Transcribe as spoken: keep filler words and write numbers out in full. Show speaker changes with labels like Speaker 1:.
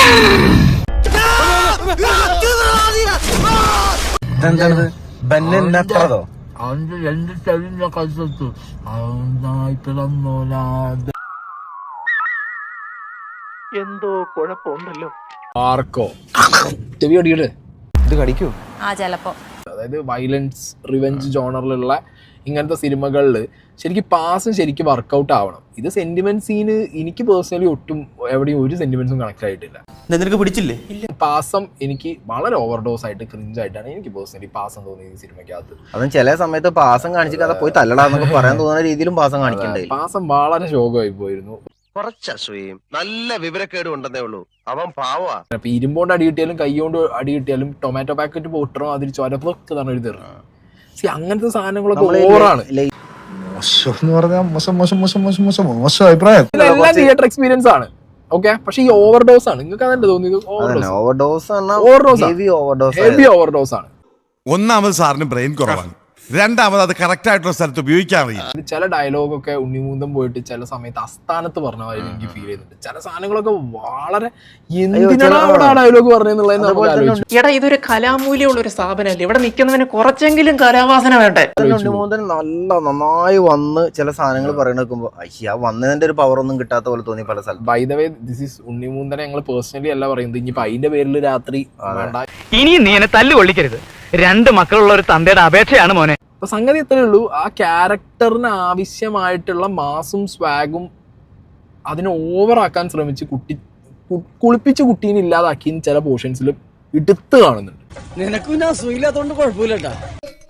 Speaker 1: എന്താണത് ബെന്നോ
Speaker 2: അവന്റെ രണ്ട് ചെവിന്റെ കഴുത്തു
Speaker 3: എന്തോ കുഴപ്പമുണ്ടല്ലോ.
Speaker 2: ആർക്കോ ചെവി അടിയുടെ
Speaker 1: ഇത് കടിക്കൂ.
Speaker 4: ആ ചിലപ്പോ
Speaker 2: അതായത് വയലൻസ് റിവെഞ്ച് ജോണറിലുള്ള ഇങ്ങനത്തെ സിനിമകളിൽ ശരിക്കും പാസം ശരിക്കും വർക്കൗട്ട് ആവണം. ഇത് സെന്റിമെന്റ് സീന് എനിക്ക് പേഴ്സണലി ഒട്ടും എവിടെയും ഒരു സെന്റിമെന്റ്സും കണക്ട് ആയിട്ടില്ല.
Speaker 1: നിനക്ക് പിടിച്ചില്ലേ?
Speaker 2: ഇല്ല, പാസം എനിക്ക് വളരെ ഓവർഡോസ് ആയിട്ട് ക്രിഞ്ച് ആയിട്ടാണ് എനിക്ക് പേഴ്സണലി പാസം തോന്നിയത് ഈ സിനിമയ്ക്കകത്ത്.
Speaker 1: അതും ചില സമയത്ത് പാസം കാണിച്ചിട്ട് പോയി തല്ലടാന്നൊക്കെ പറയാൻ തോന്നുന്ന രീതിയിലും പാസം കാണിക്കണ്ടേ.
Speaker 2: പാസം വളരെ ശോകമായി പോയിരുന്നു.
Speaker 5: കുറച്ച് അസൂയയും നല്ല വിവരക്കേടും ഉണ്ടെന്നേ ഉള്ളൂ. അവൻ പാവാ.
Speaker 2: ഇപ്പൊ ഇരുമ്പോണ്ട് അടി കിട്ടിയാലും കൈ കൊണ്ട് അടി കിട്ടിയാലും ടൊമാറ്റോ പാക്കറ്റ് പൊട്ടണോ അതിൽ ചൊരപ്പൊക്കെ തന്നെ ഒരു തെറി. സി അങ്ങനത്തെ സാധനങ്ങളൊക്കെ ഓവറാണ്. ഇതെല്ലാം തിയേറ്റർ എക്സ്പീരിയൻസ് ആണ്. ഓക്കെ, പക്ഷെ ഈ ഓവർഡോസ് ആണ്. നിങ്ങൾക്ക് അതല്ലേ തോന്നിയത്?
Speaker 1: ഓവർഡോസ്
Speaker 2: ഹെവി ഓവർഡോസ് ആണ്.
Speaker 6: ഒന്നാമത് സാറിന് ബ്രെയിൻ കുറവാണ്, രണ്ടാമത് അത് കറക്റ്റ് ആയിട്ടുള്ള സ്ഥലത്ത് ഉപയോഗിക്കാൻ അറിയില്ല.
Speaker 2: ചില ഡയലോഗൊക്കെ ഉണ്ണിമൂന്തം പോയിട്ട് ചില സമയത്ത് അസ്ഥാനത്ത് പറഞ്ഞ മാതിരി എനിക്ക് ഫീൽ ചെയ്യുന്നുണ്ട്. ചില സാധനങ്ങളൊക്കെ വളരെ എന്തിനാണ് അവിടെ ആ ഡയലോഗ് പറഞ്ഞെന്നുള്ളത്.
Speaker 3: എടാ, ഇതൊരു കലാമൂല്യമുള്ള ഒരു സ്ഥാപനമല്ലേ, ഇവിടെ നിൽക്കുന്നവന് കുറച്ചെങ്കിലും കലാവാസന വേണ്ടേ?
Speaker 1: ഉണ്ണിമൂന്തൻ നല്ല നന്നായി വന്ന് ചില സാധനങ്ങൾ പറയണേക്കുമ്പോ അയ്യ വന്നതിന്റെ ഒരു പവർ ഒന്നും കിട്ടാത്ത പോലെ തോന്നി പല സ്ഥലത്ത്.
Speaker 2: By the way, this is ഉണ്ണിമൂന്തനെ ഞങ്ങൾ പേഴ്സണലി അല്ല പറയുന്നത്. ഇനിയിപ്പോ അതിന്റെ പേരിൽ രാത്രി
Speaker 3: ഇനിയും നീ എന്നെ തല്ലു കൊള്ളിക്കരുത്. രണ്ട് മക്കളുള്ള ഒരു തന്തയുടെ അപേക്ഷയാണ് മോനെ.
Speaker 2: അപ്പൊ സംഗതി എത്രയേ ഉള്ളൂ, ആ ക്യാരക്ടറിന് ആവശ്യമായിട്ടുള്ള മാസും സ്വാഗും അതിനെ ഓവറാക്കാൻ ശ്രമിച്ച് കുട്ടി കുളിപ്പിച്ച് കുട്ടീനെ ഇല്ലാതാക്കി ചില പോർഷൻസിൽ എടുത്ത് കാണുന്നുണ്ട്.
Speaker 7: നിനക്കും ഞാൻ സുഖമില്ലാത്തോണ്ട് കുഴപ്പമില്ലട്ടാ.